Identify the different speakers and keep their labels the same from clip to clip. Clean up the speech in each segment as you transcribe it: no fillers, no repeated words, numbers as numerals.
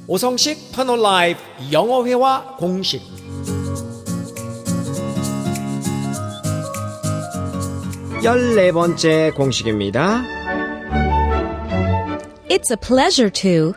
Speaker 1: 오성식 터널 라이프 영어회화 공식 14번째 공식입니다.
Speaker 2: It's a pleasure to.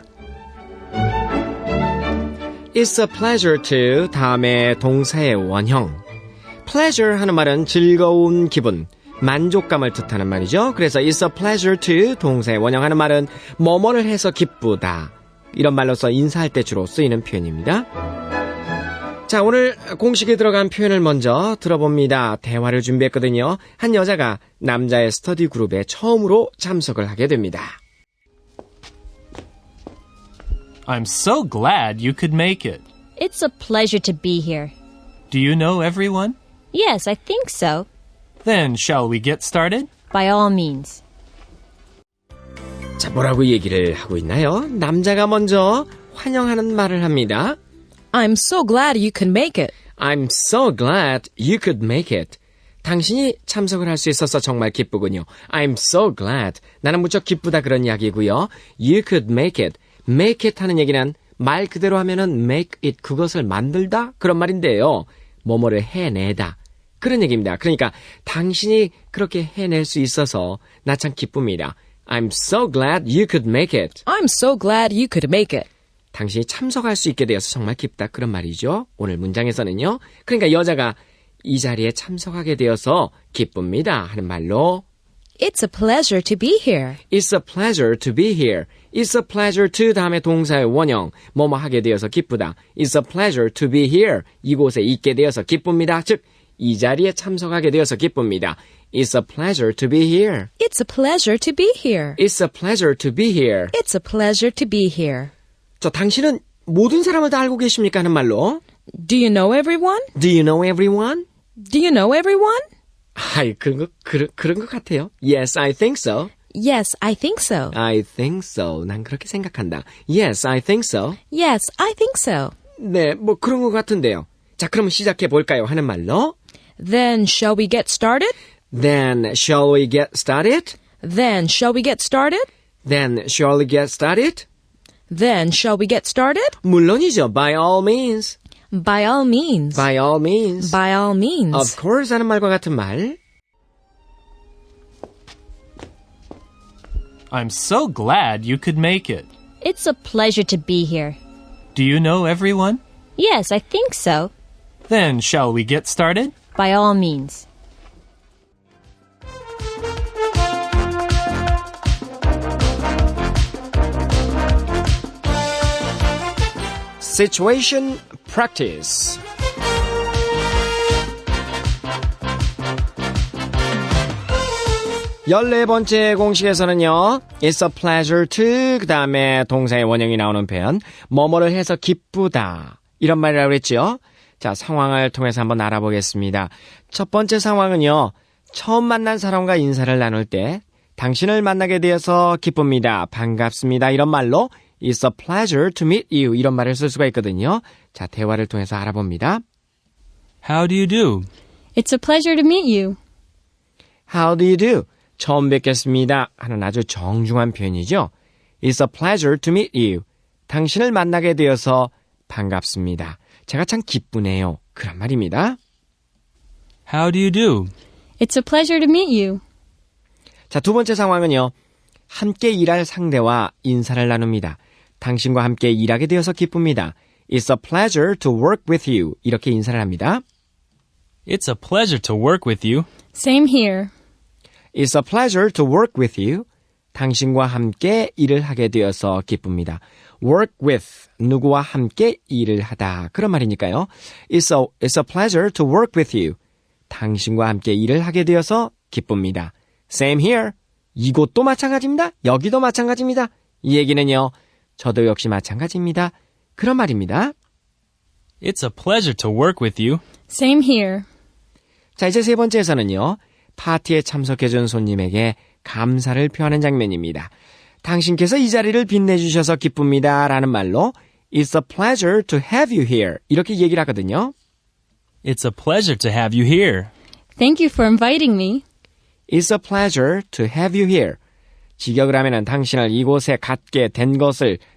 Speaker 1: It's a pleasure to 다음에 동사의 원형. pleasure 하는 말은 즐거운 기분, 만족감을 뜻하는 말이죠. 그래서 it's a pleasure to 동사의 원형 하는 말은 뭐뭐를 해서 기쁘다. 이런 말로서 인사할 때 주로 쓰이는 표현입니다. 자, 오늘 공식에 들어간 표현을 먼저 들어봅니다. 대화를 준비했거든요. 한 여자가 남자의 스터디 그룹에 처음으로 참석을 하게 됩니다.
Speaker 3: I'm so glad you could make it.
Speaker 2: It's a pleasure to be here.
Speaker 3: Do you know everyone?
Speaker 2: Yes, I think so.
Speaker 3: Then shall we get started?
Speaker 2: By all means.
Speaker 1: 자, 뭐라고 얘기를 하고 있나요? 남자가 먼저 환영하는 말을 합니다.
Speaker 2: I'm so glad you could make it.
Speaker 1: I'm so glad you could make it. 당신이 참석을 할 수 있어서 정말 기쁘군요. I'm so glad. 나는 무척 기쁘다 그런 이야기고요. You could make it. make it 하는 얘기는 말 그대로 하면은 make it 그것을 만들다 그런 말인데요. 뭐뭐를 해내다 그런 얘기입니다. 그러니까 당신이 그렇게 해낼 수 있어서 나 참 기쁩니다. I'm so glad you could make it.
Speaker 2: I'm so glad you could make it.
Speaker 1: 당신이 참석할 수 있게 되어서 정말 기쁘다 그런 말이죠. 오늘 문장에서는요. 그러니까 여자가 이 자리에 참석하게 되어서 기쁩니다 하는 말로
Speaker 2: It's a pleasure to be here.
Speaker 1: It's a pleasure to be here. It's a pleasure to 다음에 동사의 원형 뭐뭐 하게 되어서 기쁘다. It's a pleasure to be here. 이곳에 있게 되어서 기쁩니다. 즉 이 자리에 참석하게 되어서 기쁩니다. It's a pleasure to be here.
Speaker 2: It's a pleasure to be here.
Speaker 1: It's a pleasure to be here.
Speaker 2: It's a pleasure to be here.
Speaker 1: 저 당신은 모든 사람을 다 알고 계십니까 하는 말로
Speaker 2: Do you know everyone?
Speaker 1: Do you know everyone?
Speaker 2: Do you know everyone?
Speaker 1: 아이, 그런 것 같아요. Yes, I think so.
Speaker 2: Yes, I think so.
Speaker 1: I think so. 난 그렇게 생각한다. Yes, I think so.
Speaker 2: Yes, I think so.
Speaker 1: 네, 뭐 그런 것 같은데요. 자, 그럼 시작해 볼까요? 하는 말로
Speaker 2: Then shall we get started?
Speaker 1: Then shall we get started?
Speaker 2: Then shall we get started?
Speaker 1: Then shall we get started?
Speaker 2: Then shall we get started?
Speaker 1: 물론이죠. By all means.
Speaker 2: By all means.
Speaker 1: By all means.
Speaker 2: By all means.
Speaker 1: Of course 하는 말과 같은 말.
Speaker 3: I'm so glad you could make it.
Speaker 2: It's a pleasure to be here.
Speaker 3: Do you know everyone?
Speaker 2: Yes, I think so.
Speaker 3: Then shall we get started?
Speaker 2: By all means.
Speaker 1: Situation practice. 열네 번째 공식에서는요. It's a pleasure to 그 다음에 동사의 원형이 나오는 표현 뭐뭐를 해서 기쁘다 이런 말이라고 그랬죠. 자, 상황을 통해서 한번 알아보겠습니다. 첫 번째 상황은요. 처음 만난 사람과 인사를 나눌 때 당신을 만나게 되어서 기쁩니다. 반갑습니다. 이런 말로 It's a pleasure to meet you 이런 말을 쓸 수가 있거든요. 자, 대화를 통해서 알아봅니다.
Speaker 3: How do you do?
Speaker 2: It's a pleasure to meet you.
Speaker 1: How do you do? 처음 뵙겠습니다 하는 아주 정중한 표현이죠. It's a pleasure to meet you. 당신을 만나게 되어서 반갑습니다. 제가 참 기쁘네요. 그런 말입니다.
Speaker 3: How do you do?
Speaker 2: It's a pleasure to meet you.
Speaker 1: 자, 두 번째 상황은요. 함께 일할 상대와 인사를 나눕니다. 당신과 함께 일하게 되어서 기쁩니다. It's a pleasure to work with you. 이렇게 인사를 합니다.
Speaker 3: It's a pleasure to work with you.
Speaker 2: Same here.
Speaker 1: It's a pleasure to work with you. 당신과 함께 일을 하게 되어서 기쁩니다. work with, 누구와 함께 일을 하다. 그런 말이니까요. It's a pleasure to work with you. 당신과 함께 일을 하게 되어서 기쁩니다. Same here. 이곳도 마찬가지입니다. 여기도 마찬가지입니다. 이 얘기는요. 저도 역시 마찬가지입니다. 그런 말입니다.
Speaker 3: It's a pleasure to work with you.
Speaker 2: Same here.
Speaker 1: 자, 이제 세 번째에서는요. 파티에 참석해준 손님에게 감사를 표하는 장면입니다. 당신께서 이 자리를 빛내주셔서 기쁩니다. 라는 말로 It's a pleasure to have you here. 이렇게 얘기를 하거든요.
Speaker 3: It's a pleasure to have you here.
Speaker 2: Thank you for inviting me.
Speaker 1: It's a pleasure to have you here. 직역을 하면은 당신을 이곳에 갖게 된 것을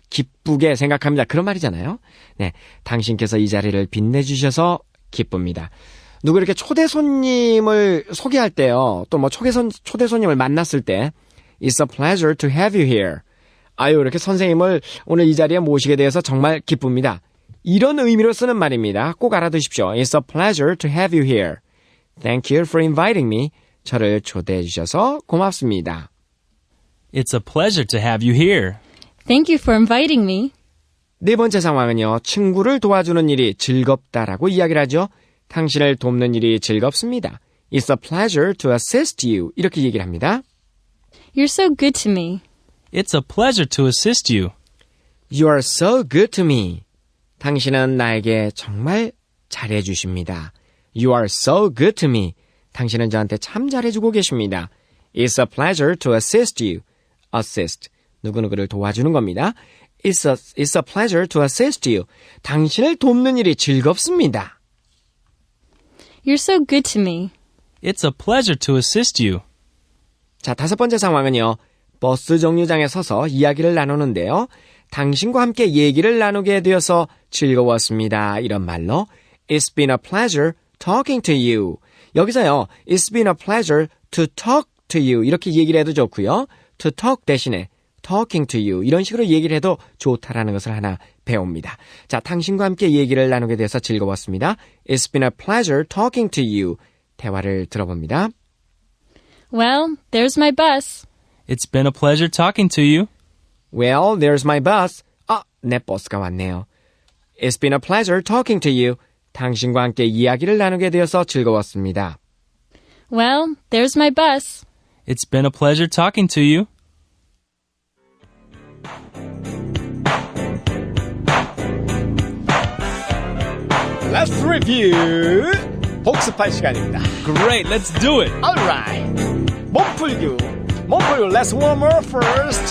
Speaker 1: 기쁘게 생각합니다. 그런 말이잖아요. 네, 당신께서 이 자리를 빛내주셔서 기쁩니다. 누구 이렇게 초대 손님을 소개할 때요. 또 뭐 초대 손님을 만났을 때 It's a pleasure to have you here. 아유, 이렇게 선생님을 오늘 이 자리에 모시게 되어서 정말 기쁩니다. 이런 의미로 쓰는 말입니다. 꼭 알아두십시오. It's a pleasure to have you here. Thank you for inviting me. 저를 초대해 주셔서 고맙습니다.
Speaker 3: It's a pleasure to have you here.
Speaker 2: Thank you for inviting me.
Speaker 1: 네 번째 상황은요. 친구를 도와주는 일이 즐겁다라고 이야기를 하죠. 당신을 돕는 일이 즐겁습니다. It's a pleasure to assist you. 이렇게 얘기를 합니다.
Speaker 2: You're so good to me.
Speaker 3: It's a pleasure to assist you.
Speaker 1: You are so good to me. 당신은 나에게 정말 잘해주십니다. You are so good to me. 당신은 저한테 참 잘해주고 계십니다. It's a pleasure to assist you. Assist. 누구누구를 도와주는 겁니다. It's a pleasure to assist you. 당신을 돕는 일이 즐겁습니다.
Speaker 2: You're so good to me.
Speaker 3: It's a pleasure to assist you.
Speaker 1: 자, 다섯 번째 상황은요. 버스 정류장에 서서 이야기를 나누는데요. 당신과 함께 얘기를 나누게 되어서 즐거웠습니다. 이런 말로 It's been a pleasure talking to you. 여기서요. It's been a pleasure to talk to you. 이렇게 얘기를 해도 좋고요. To talk 대신에 talking to you. 이런 식으로 얘기를 해도 좋다라는 것을 하나 배웁니다. 자, 당신과 함께 얘기를 나누게 돼서 즐거웠습니다. It's been a pleasure talking to you. 대화를 들어봅니다.
Speaker 2: Well, there's my bus.
Speaker 3: It's been a pleasure talking to you.
Speaker 1: Well, there's my bus. 아, 내 버스가 왔네요. It's been a pleasure talking to you. 당신과 함께 이야기를 나누게 되어서 즐거웠습니다.
Speaker 2: Well, there's my bus.
Speaker 3: It's been a pleasure talking to you.
Speaker 1: Let's review. 복습할 시간입니다.
Speaker 3: Great, let's do it.
Speaker 1: Alright. 몸풀기. Let's warm up first.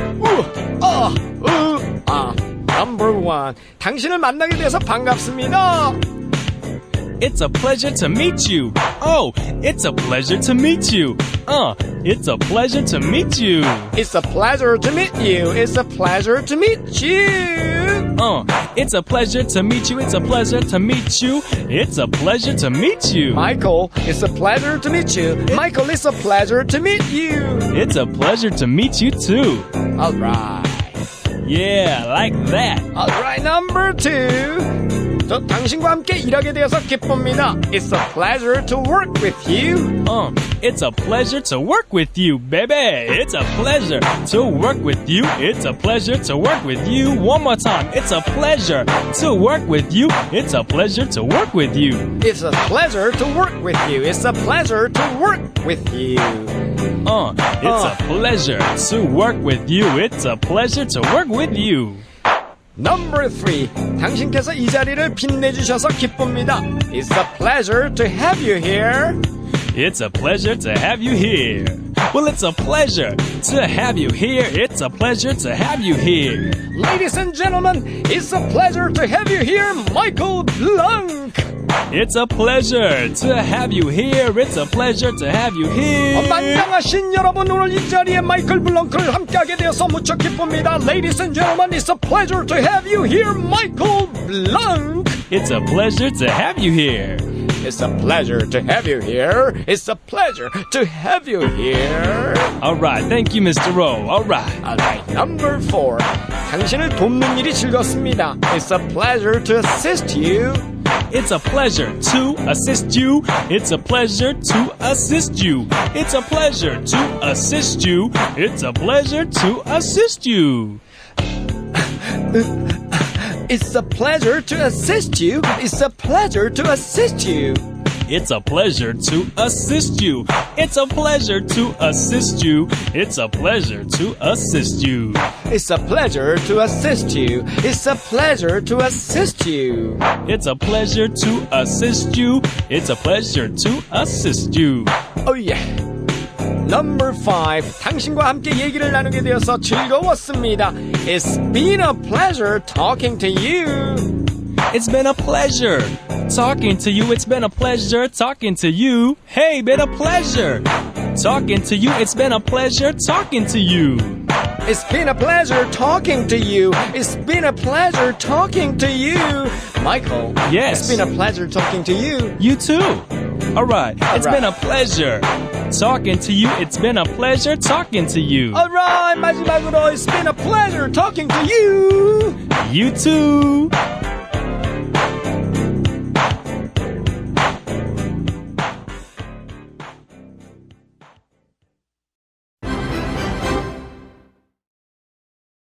Speaker 1: Number one. 당신을 만나게 돼서 반갑습니다.
Speaker 3: It's a pleasure to meet you. Oh, it's a pleasure to meet you. It's a pleasure to meet you.
Speaker 1: It's a pleasure to meet you. It's a pleasure to meet you.
Speaker 3: It's a pleasure to meet you. It's a pleasure to meet you. It's a pleasure to meet you.
Speaker 1: Michael, it's a pleasure to meet you. Michael, it's a pleasure to meet you.
Speaker 3: It's a pleasure to meet you too.
Speaker 1: Alright.
Speaker 3: Yeah, like that.
Speaker 1: Alright, number two. 저 당신과 함께 일하게 되어서 기쁩니다. It's a pleasure to work with you.
Speaker 3: It's a pleasure to work with you, baby. It's a pleasure to work with you. It's a pleasure to work with you. One more time. It's a pleasure to work with you. It's a pleasure to work with you.
Speaker 1: It's a pleasure to work with you. It's a pleasure to work with you.
Speaker 3: It's a pleasure to work with you. It's a pleasure to work with you.
Speaker 1: Number three. 당신께서 이 자리를 빛내주셔서 기쁩니다. It's a pleasure to have you here.
Speaker 3: It's a pleasure to have you here. Well, it's a pleasure to have you here. It's a pleasure to have you here.
Speaker 1: Ladies and gentlemen, it's a pleasure to have you here, Michael Blanc.
Speaker 3: It's a pleasure to have you here. It's a pleasure to have you here.
Speaker 1: 만장하신 여러분, 오늘 이 자리에 마이클 블랑크를 함께하게 되어서 무척 기쁩니다. Ladies and gentlemen, it's a pleasure to have you here, Michael Blanc.
Speaker 3: It's a pleasure to have you here.
Speaker 1: It's a pleasure to have you here. It's a pleasure to have you here.
Speaker 3: All right, thank you, Mr. Rowe. All right.
Speaker 1: Alright, number four. 당신을 돕는 일이 즐겁습니다. It's a pleasure to assist you.
Speaker 3: It's a pleasure to assist you. It's a pleasure to assist you. It's a pleasure to assist you. It's a pleasure to assist you.
Speaker 1: It's a pleasure to assist you. It's a pleasure to assist you.
Speaker 3: It's a pleasure to assist you. It's a pleasure to assist you. It's a pleasure to assist you.
Speaker 1: It's a pleasure to assist you. It's a pleasure to assist you.
Speaker 3: It's a pleasure to assist you. It's a pleasure to assist you.
Speaker 1: Oh yeah. Number five. 당신과 함께 얘기를 나누게 되어서 즐거웠습니다. It's been a pleasure talking to you.
Speaker 3: It's been a pleasure talking to you. It's been a pleasure talking to you. Hey, been a pleasure talking to you. It's been a pleasure talking to you.
Speaker 1: It's been a pleasure talking to you. It's been a pleasure talking to you. Michael.
Speaker 3: Yes.
Speaker 1: It's been a pleasure talking to you.
Speaker 3: You too. All right. It's
Speaker 1: right.
Speaker 3: been a pleasure talking to you. It's been a pleasure talking to you.
Speaker 1: Alright, 마지막으로 It's been a pleasure talking to you.
Speaker 3: You too.